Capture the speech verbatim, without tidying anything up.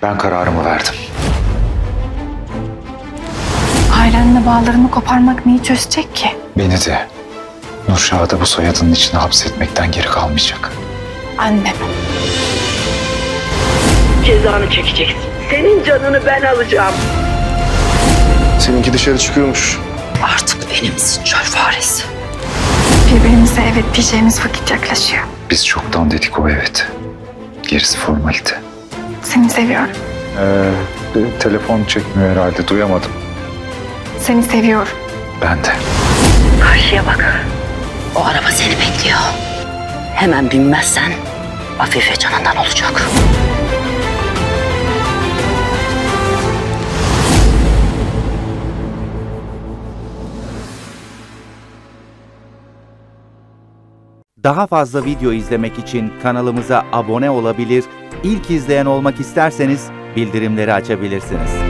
Ben kararımı verdim. Ailenle bağlarını koparmak neyi çözecek ki? Beni de Nurşah'ı da bu soyadının içine hapsetmekten geri kalmayacak. Annem. Cezanı çekeceksin. Senin canını ben alacağım. Seninki dışarı çıkıyormuş. Artık benimsin çöl faresi. Birbirimize evet diyeceğimiz vakit yaklaşıyor. Biz çoktan dedik o evet. Gerisi formalite. Seni seviyorum. Ee, telefon çekmiyor herhalde, duyamadım. Seni seviyorum. Ben de. Karşıya bak. O araba seni bekliyor. Hemen binmezsen Afife canından olacak. Daha fazla video izlemek için kanalımıza abone olabilir, ilk izleyen olmak isterseniz bildirimleri açabilirsiniz.